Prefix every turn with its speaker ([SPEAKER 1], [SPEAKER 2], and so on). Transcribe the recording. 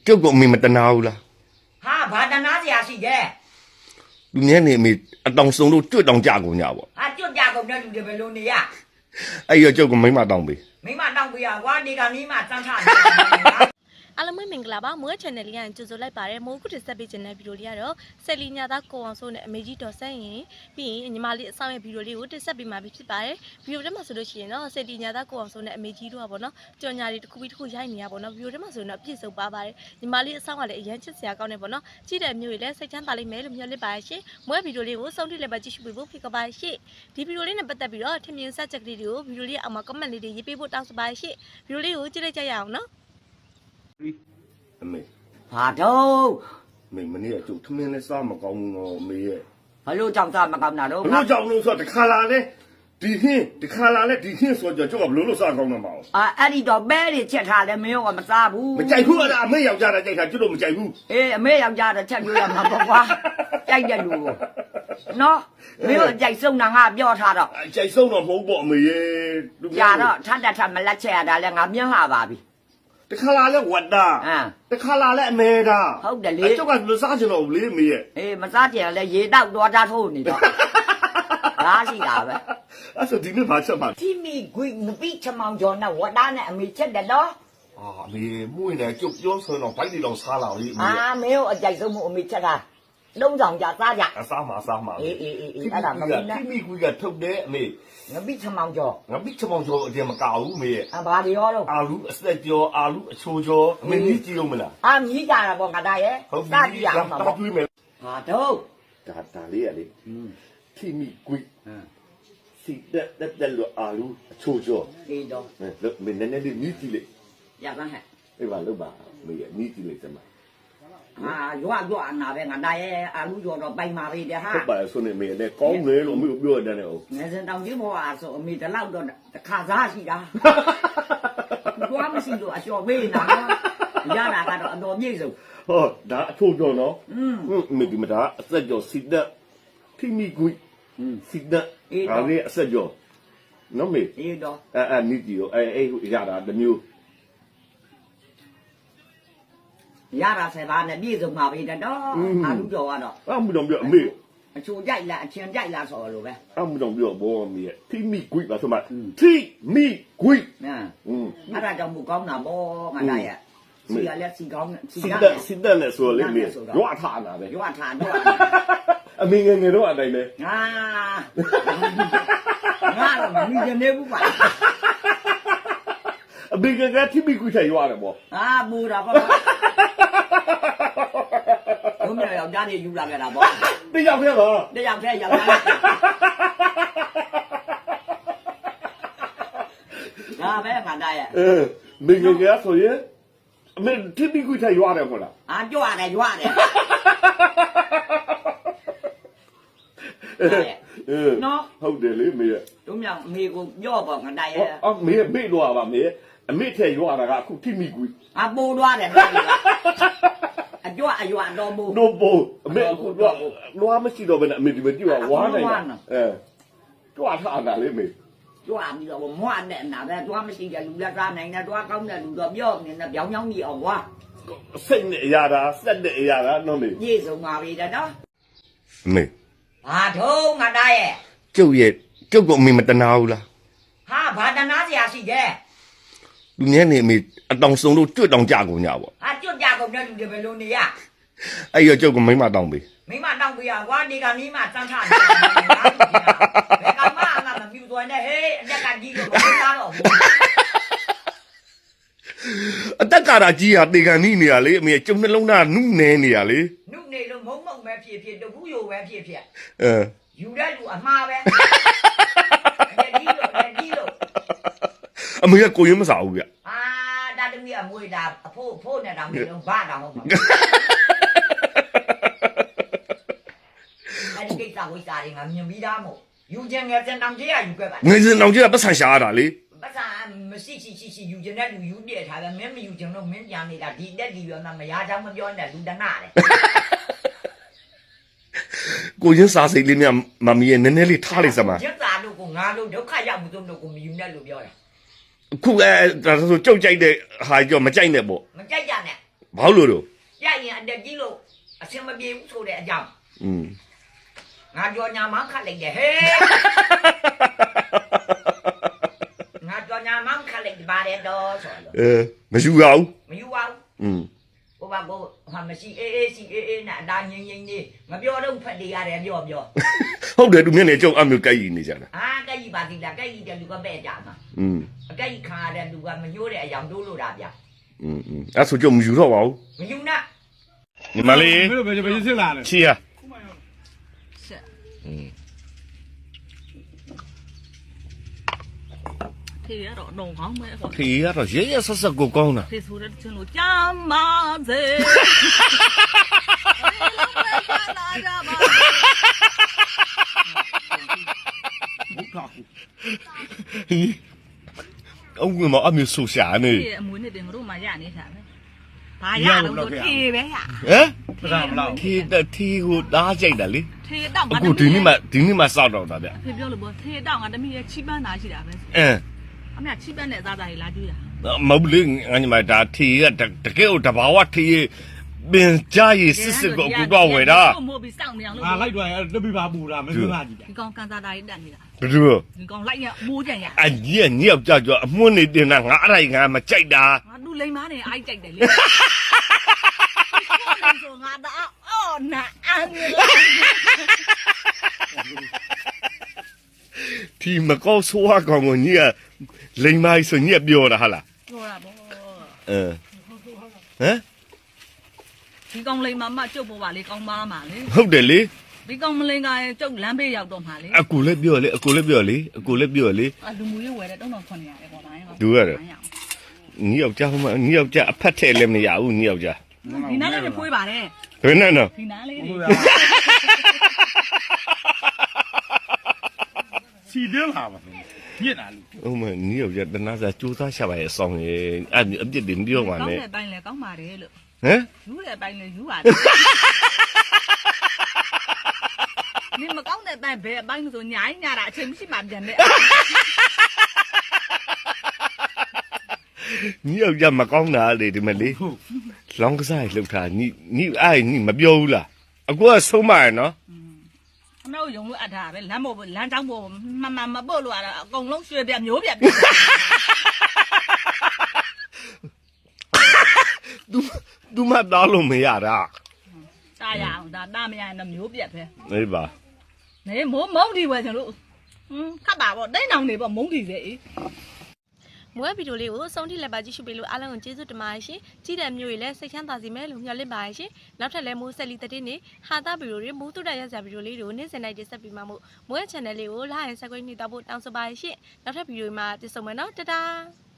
[SPEAKER 1] ကျုပ်ကအမေမတနာဘူးလား
[SPEAKER 2] ဟာဘာတနာစရာရှိတယ်
[SPEAKER 1] လူငယ်နေအမေအတောင်စုံလို့ကျွတ်တောင်ကြကုန်ကြပေါ့
[SPEAKER 2] ဟာကျွတ်ကြကုန်တဲ့လူတွေဘယ်လိုနေရ
[SPEAKER 1] အဲ့ရကျုပ်ကမိမတောင်းပေး
[SPEAKER 2] မိမတောင်းပေးရကွာဒီကနေ့မှစမ်းချနေတာ
[SPEAKER 3] အားလုံးမင်္ဂလာပါမိုး channel လေးကကြိုဆိုလိုက်ပါတယ်မိုးခုတစ်ဆက်ပေးခြင်းတဲ့ဗီဒီယိုလေးကတော့ဆက်လီညာသားကိုအောင်စိုးနဲ့အမေကြီးတော်ဆက်ရင်ပြီးရင်ညီမလေးအဆောင်ရဲ့ဗီဒီယိုလေးကိုတစ်ဆက်ပေးမှာဖြစ်ပါတယ်ဗီဒီယိုထဲမှာဆိုလို့ရှိရင်တော့ဆက်လီညာသားကိုအောင်စိုးနဲ့အမေကြီးတို့ကပေါ့နော်ကြော်ညာလေးတစ်ခုပြီးတစ်ခုရိုက်နေရပေါ့နော်ဗီဒီယိုထဲမှာဆိုရင်တော့ပြည့်စုံပါပါတယ်ညီမလေးအဆောင်ကလည်းအရန်ချစ်စရာကောင်းနေပေါ့နော်ကြည့်တဲ့မျိုးတွေလည်းစိတ်ချမ်းသာလိမ့်မယ်လို့မျှော်လင့်ပါတယ်ရှင်မိုးဗီဒီယိုလေးကိုဆုံးထိလည်းပဲကြည့်ရှုပေးဖို့ဖိတ်ခေါ်ပါတယ်ရှင်ဒီဗီဒီယိုလေးနဲ့ပတ်သက်ပြီးတော့ထင်မြင်ဆက်ချက်ကလေးတွေကိုဗီဒီယိုလေးအောက်မှာ comment လေးတွေရေးပေးဖို့တောင်းဆိုပါတယ်ရှင်ဗီဒီယိုလေးကိုကြည့်လိုက်ကြရအောင်နော်
[SPEAKER 1] အမေ
[SPEAKER 2] ဘာတော့
[SPEAKER 1] မေမနေ့ကကျုပ်ထမင်းလဲစားမကောင်းဘူးတော့အမေရဲ့
[SPEAKER 2] ဘလို့ကြောက်စားမကောင်းတာတော့
[SPEAKER 1] ဘလို့ကြောင့်လို့ဆိုတော့တခါလာလဲဒီဟင်းတခါလာလဲဒီဟင်းဆိုတော့ကျုပ်ကဘလို့လို့စားကောင်းမှာမအောင်
[SPEAKER 2] အဲ့ဒီတော့ပဲတွေချက်ထားတယ်မင်းကမစားဘူး
[SPEAKER 1] မကြိုက်ဘူးအဲ့ဒါအမေယောက်ျားတာကြိုက်တာကျုပ်တို့မကြိုက်ဘူး
[SPEAKER 2] အေးအမေယောက်ျားတော့ချက်ပြရမှာပေါ့ကွာကြိုက်တဲ့လူကိုနော်မင်းတို့ကြိုက်ဆုံးတာငါပြောထားတော့
[SPEAKER 1] ကြိုက်ဆုံးတော့မဟုတ်ပေါ့အမေရဲ့လူ
[SPEAKER 2] ကြာတော့ထပ်ထပ်မလက်ချက်ရတာလဲငါမြင်လာပါပြီ
[SPEAKER 1] တခါလာလဲဝတ်တာ
[SPEAKER 2] ဟမ်
[SPEAKER 1] တခါလာလဲအမေတာ
[SPEAKER 2] ဟုတ်တယ်လေ
[SPEAKER 1] ကျုပ်ကမစားချင်တော့ဘူးလေအမေရဲ့
[SPEAKER 2] အေးမစားကြလဲရေတောက်တော့တာထိုးနေတော့ဒါရှိတာပဲ
[SPEAKER 1] အဲ့ဆိုဒီနေ့ဘာချက်မှာ
[SPEAKER 2] ที่มีกุยนปีชะมองจอนะวดาเนี่ยอเมเช็ดเด้อเนาะ
[SPEAKER 1] အာအမေမှုရင်လည်းကျုပ်ပြောဆိုတော့ဘိုက်တွေတော့စားလာပြီအမေ
[SPEAKER 2] อ่าเมโอအကြိုက်ဆုံးမှုအမေချက်တာလုံးဆောင်ကြစားကြ
[SPEAKER 1] အစားမှာအစားမှာ
[SPEAKER 2] အေးအဲ့ဒါမပြီးနဲ့
[SPEAKER 1] ခိမိကွေးကထုတ်တယ်အမေ
[SPEAKER 2] ငပိချမောင်ကျော်
[SPEAKER 1] ငါပိချမောင်ကျော်အတင်မကဘူးအမေရဲ့
[SPEAKER 2] ဘာတွေရောလို့
[SPEAKER 1] အာလူအစက်ကျော်အာလူအချိုကျော်အမေကြီးကြည့်လို့မလား
[SPEAKER 2] အာမြည်ကြတာပေါ့ငါသားရဲ့
[SPEAKER 1] ဟုတ်
[SPEAKER 2] စကြည့်ရအောင်ပါ
[SPEAKER 1] ဒါ
[SPEAKER 2] ပေါ့
[SPEAKER 1] တွေးမယ်
[SPEAKER 2] ဟာတော့
[SPEAKER 1] ဒါလေးရလေခိမိကွေးစီတက်လို့အာလူအချိုကျော်
[SPEAKER 2] အေးတော့
[SPEAKER 1] လို့မင်းနည်းနည်းလေးမြည်ကြည့်လေ
[SPEAKER 2] ရပါဟဲ့
[SPEAKER 1] အေးပါလို့ပါအမေရဲ့မြည်ကြည့်လိုက်စမ်းပါ
[SPEAKER 2] ဟာရွာအနာပဲငါသားရဲ့အာလူကျော်တော့ပိုင်ပါပြီတဲ့ဟာ
[SPEAKER 1] ဟုတ်ပါဆိုနေမေနဲ့ကောင်းတယ်လို့အမေပြောရတယ်နဲ့ဟုတ်
[SPEAKER 2] ငယ်စဉ်တောင်ကြီးဘောအားဆိုအမေတလောက်တော့တခါစားရှိတာကျွားမရှိလို့အလျှော်ပေးနေတာရတာကတော့အတော်မြင့်ဆုံး
[SPEAKER 1] ဟောဒါအချိုကျော်နော်
[SPEAKER 2] อืม
[SPEAKER 1] မေဒီမတာအစက်ကျော်စီတက်ခိမိကွေးစီတက်ဒါလေးအစက်ကျော်နော်မေ
[SPEAKER 2] အေးတော့
[SPEAKER 1] အဲ့မြည်ကြည့်ရောအဲ့ရတာတစ်မျိုး
[SPEAKER 2] ရတာဆယ်ပါးနဲ့ပြည့်စုံပါပြီတော့အာလူကျော်ကတော့
[SPEAKER 1] အမှုတော်ပြောအမေ
[SPEAKER 2] အချိုကြိုက်လားအချင်းကြိုက်လားဆိုလို့ပဲ
[SPEAKER 1] အမှုတော်ပြောဘောမေခိမိကွေးပါဆိုမှခိမိကွေး
[SPEAKER 2] နော်
[SPEAKER 1] အဲ့
[SPEAKER 2] အဲ့ဒါကြောင့်မကောင်းတာပေါ့ငါသားရဲ့စီကလည်းစီကောင်းစီ
[SPEAKER 1] စီ
[SPEAKER 2] က
[SPEAKER 1] တက်စီတက်နဲ့ဆိုလေမေရွာထားတာပဲ
[SPEAKER 2] ရွာထားတော့
[SPEAKER 1] အမေငယ်ငယ်တော့အတိုင်းပဲ
[SPEAKER 2] ငါတော့မမြင်နေဘူးပါ
[SPEAKER 1] အမေငယ်ငယ်ခိမိကွေးထိုင်ရွာတယ်ပေါ့
[SPEAKER 2] အာမူတာပေါ့ဘုံမြောက်ကြားနေယူလာခဲ့တာပေါ့
[SPEAKER 1] တိရောက်ခဲ့ပါ
[SPEAKER 2] တယောက်တည်းရောက်လာဒါပဲငါသားရဲ့
[SPEAKER 1] မေငယ်ငယ်ဆိုရင်အမေခိမိကွေးထိုင်ရွာတယ်မဟုတ်လား
[SPEAKER 2] အာကြွရတယ်ကြွရတယ်နော်
[SPEAKER 1] ဟုတ်တယ်လေမေ
[SPEAKER 2] တို့မြောက်အမေကိုပြောပေါ့ငါသားရဲ့
[SPEAKER 1] အော်မေမေတော့ပါမေအမေထဲရွာတာကအခုခိမိကွေး
[SPEAKER 2] အပိုးသွားတယ်အကြွအရွာတော်မူ
[SPEAKER 1] နို့ဘောအမေအခုတော့လွားမရှိတော့ဘဲနဲ့အမေဒီမကြည့်ပါဝါနိုင်တာတွားထားတာလေမေ
[SPEAKER 2] ကြွပြီးတော့မွားနဲ့နာပဲတွားမရှိတဲ့လူလက်သားနိုင်တဲ့တွားကောင်းတဲ့လူတော့ပြောနေနဲ့ပြောင်းပြောင်းကြီးအောင်ကွာ
[SPEAKER 1] စိတ်နဲ့အရာတာစက်တဲ့အရာတာနော်မေ
[SPEAKER 2] ပြည့်စုံပါပြီတဲ့နော်
[SPEAKER 1] မေ
[SPEAKER 2] ဘာထုံးငါသားရဲ့
[SPEAKER 1] ကျုပ်ကအမေမတနာဘူးလား
[SPEAKER 2] ဟာဘာတနာစရာရှိတယ်
[SPEAKER 1] လူငယ်နေအမေအတောင်စုံလို့ကျွတ်တောင်ကြကုန်ကြပေါ့
[SPEAKER 2] ဟာကျွတ်ကြကုန်တဲ့လူတွေဘယ်လိုနေရ
[SPEAKER 1] အဲ့ရကျုပ်ကမိမတောင်းပေး
[SPEAKER 2] မိမတောင်းပေးရကွာဒီကနေ့မှစမ်းထားနေတာဘယ်ကမှအမှမပြူသွင်းနဲ့ဟေးအတက်ကကြီးလို့မသားတော့ဘူး
[SPEAKER 1] အသက်ကာရာကြီးဟာတေကန်နီးနေရလေအမေကျုံနှလုံးသားနုနဲနေရလေ
[SPEAKER 2] နုနေလို့မုံမုံပဲဖြစ်တဘူးယိုပဲဖြစ်
[SPEAKER 1] အဲ
[SPEAKER 2] ယူတဲ့လူအမှားပဲလက်ကြီးလို့
[SPEAKER 1] အမေကကိုရင်မစားဘူးဗျ
[SPEAKER 2] အာဒါတမီးအမွေတာအဖိုးနဲ့တောင်နေတော့ဘာတောင်ဟုတ်မှာအဲ့ဒီကိစ္စဝိစာတွေငါမြင်ပြီးသားမို့ယူခြင်းငယ်စင်တောင်ကြီးကယူခဲ့ပါ
[SPEAKER 1] ငယ်စဉ်တောင်ကြီးကပတ်ဆန်ရှာရတာလေ
[SPEAKER 2] ပတ်စာမရှိယူခြင်းတဲ့လူယူပြည့်ထားပဲမင်းမယူခြင်းတော့မင်းပြန်နေတာဒီတက်ဒီရောမရချောင်းမပြောနဲ့လူတနာတယ်
[SPEAKER 1] ကိုရင်စားစိတ်လေးများမမီရဲ့နည်းနည်းလေးထားလိုက်စမ်းပါ
[SPEAKER 2] ကျက်သားလို့ကိုငါလို့ဒုက္ခရောက်မှုတို့ကိုမယူနဲ့လို့ပြောတယ်
[SPEAKER 1] အခုဒါဆိုကြုတ်ကြိုက်တဲ့ဟာကြောမကြိုက်နဲ့ပေါ့
[SPEAKER 2] မကြိုက်ကြနဲ့
[SPEAKER 1] ဘာလို့လို့
[SPEAKER 2] ရရင်အတက်ကြီးလို့အစင်မပြေဘူးဆိုတဲ့အကြောင်း ငါကြော်ညာမခတ်လိုက်တယ်ဟဲ့ငါကြော်ညာမခတ်လိုက်ပါတယ်တော့ဆိုတော့
[SPEAKER 1] မယူရဘူး
[SPEAKER 2] မယူပါဘူးဘိုးဘကိုဟာမရှိအေးရှိအေးနဲ့အသားငိမ့်ငိမ့်လေးမပြောတော့ဖက်တည်ရတယ်ပြော
[SPEAKER 1] ဟုတ်တယ်သူမျက်နှာကျုံအမျိုးကြိုက်ရနေကြတာ
[SPEAKER 2] အာကဲကြီးပါသေးလားကဲကြီးတဲ့လူကပဲ့ကြမှာအကဲကြီးခါရတဲ့လူကမညိုးတဲ့အယောင်တိုးလို့တာဗျ
[SPEAKER 1] အဲ့ဆိုကျုံမယူတော့ပါဘူး
[SPEAKER 2] မယူနဲ့
[SPEAKER 1] ညီမလေး
[SPEAKER 4] မင်းတို့ဘယ်စစ်လာလဲ
[SPEAKER 1] ချီရ
[SPEAKER 2] ထေရတော့တော့ကောင်းမဲဆို
[SPEAKER 1] ထေရတော့ရဲရဲဆက်ဆက်ကိုကောင်းတာ
[SPEAKER 2] ဖေဆိုတဲ့ချင်းလို့ကြမ်းပါစေ
[SPEAKER 1] အောင်ကမအမျိုးဆိုရှာနေ
[SPEAKER 2] ဒီအမွေနဲ့တင်တို့မှရနေတာပဲဘာရတော့ထေပဲရ
[SPEAKER 1] ဟမ်
[SPEAKER 4] မစားမလား
[SPEAKER 1] ထေကိုတားကြိုက်တာလေ
[SPEAKER 2] ထေတော့ငါ
[SPEAKER 1] အခုဒီနေ့မှစောက်တော့တာဗျ
[SPEAKER 2] ဖေပြောလို့ပေါ့ထေတော့ငါတမီးရဲ့ချိပန်းသားရှိတာပဲအမေချိပန်းနဲ့သားသားကြီးလာကြည့်တာ
[SPEAKER 1] မဟုတ်လေငါညီမဒါထေရတကယ်ကိုတဘာဝထေရပင်ကြရစစ်စစ်ကိုအခုတော့ဝယ်တာ
[SPEAKER 2] မို့ပြီးစောင့်နေအောင်လို့
[SPEAKER 4] ငါလိုက်တော့တက်ပြီးပါပူတာမင်းတို့ကကြည့်
[SPEAKER 2] ဒီကောင်ကန်စားသားကြီးတက်နေတာ
[SPEAKER 1] ဘယ်လို
[SPEAKER 2] ဒီကောင်လိုက်ရမိုးကြံရ
[SPEAKER 1] အကြီးညောက်ကြကြအမွှန်းနေတင်တာငါအဲ့ဒါငါမကြိုက်တာ
[SPEAKER 2] ငါလူလိမ်မားနေအိုက်ကြိုက်တယ်လေဆိုငါတော့အော်နာအန်ရ
[SPEAKER 1] ဒီမကောက်ဆိုးအကောင်ကိုညီကလိမ်မိုင်းဆိုညီကပြောတာဟာလား
[SPEAKER 2] ပြောတာပေါ့
[SPEAKER 1] ဟမ်
[SPEAKER 2] ဒီကောင်လိမ်မားမကျုပ်ပေါ်ပါလေကောင်းပါမှာလေ
[SPEAKER 1] ဟုတ်တယ်လေ
[SPEAKER 2] ဒီကောင်မလိန်ကကျုပ်လမ်းဘေးရောက်တော့မှာလေ
[SPEAKER 1] အကူလည်းပြောလေအကူလည်းပြောလေအကူလည်းပြောလေ
[SPEAKER 2] လူမှုရေးဝယ်တဲ့3900ရဲပေါ့ဗျာ
[SPEAKER 1] ဒူရတယ်ညီယောက်ျားဟိုမှာညီယောက်ျားအဖက်ထဲလည်းမရဘူးညီယောက်ျား
[SPEAKER 2] ဒီနားလေးဖွေးပါတယ်
[SPEAKER 1] ဘယ်နဲ့နော်
[SPEAKER 2] ဒီနားလေး
[SPEAKER 4] စီတင်းလာပါညစ်တာလူ
[SPEAKER 1] ဟုတ်မညီယောက်ျားတနာစာစူးစားရှာပါရဲ့အဆောင်ရဲ့အဲ့အပြစ်တင်ပြောပါ
[SPEAKER 2] ကော
[SPEAKER 1] နဲ့
[SPEAKER 2] င်းတဲ့ပိုင်းလဲကောင်းပါတယ်လို့
[SPEAKER 1] ဟမ်
[SPEAKER 2] ယူတဲ့ပိုင်းလဲယူပါတယ်နင်မကောင်းတဲ့ပိုင်းဘယ်အပိုင်းဆိုညာညတာအချိန်မရှိမှပြန်တဲ့
[SPEAKER 1] ညီယောက်ျားမကောင်းတာလေဒီမလေးလောင်းကစားလှုပ်တာညီအဲ့ညီမပြောဘူးလားအကူကဆုံးမရနော်
[SPEAKER 2] အမေတို့ယုံလို့အပ်တာပဲလမ်းပေါ်လမ်းကြောင်းပေါ်မမပို့လို့ရတာအကုန်လုံးရွှေပြမျိုးပြ
[SPEAKER 1] သူမသားလို့မရတာ
[SPEAKER 2] တာရအောင်ဒါတာမရရင်မျိုးပြက်ပဲ
[SPEAKER 1] အေးပါ
[SPEAKER 2] နေမုံဒီဝယ်ချင်လို့ခတ်ပါပေါ့တိတ်နောင်နေပေါ့မုံဒီစေအေး
[SPEAKER 3] မွေးဗီဒီယိုလေးကိုအဆုံးထိလက်ပါကြည့်ရှုပေးလို့အားလုံးကိုကျေးဇူးတင်ပါတယ်ရှင်ကြည့်တဲ့မျိုးတွေလည်းစိတ်ချမ်းသာစေမယ်လို့မျှော်လင့်ပါတယ်ရှင်နောက်ထပ်လည်းမိုးဆက်လီတဲ့တင်းနေဟာတာဗီဒီယိုတွေမိုးတူတရရစဗီဒီယိုလေးတွေကိုနေ့စဉ်တိုင်းတင်ဆက်ပေးမှာမို့မွေး channel လေးကို like and subscribe နှိပ်တော့ဖို့တောင်းဆိုပါတယ်ရှင်နောက်ထပ်ဗီဒီယိုမှာပြန်ဆုံမယ်နော်တတား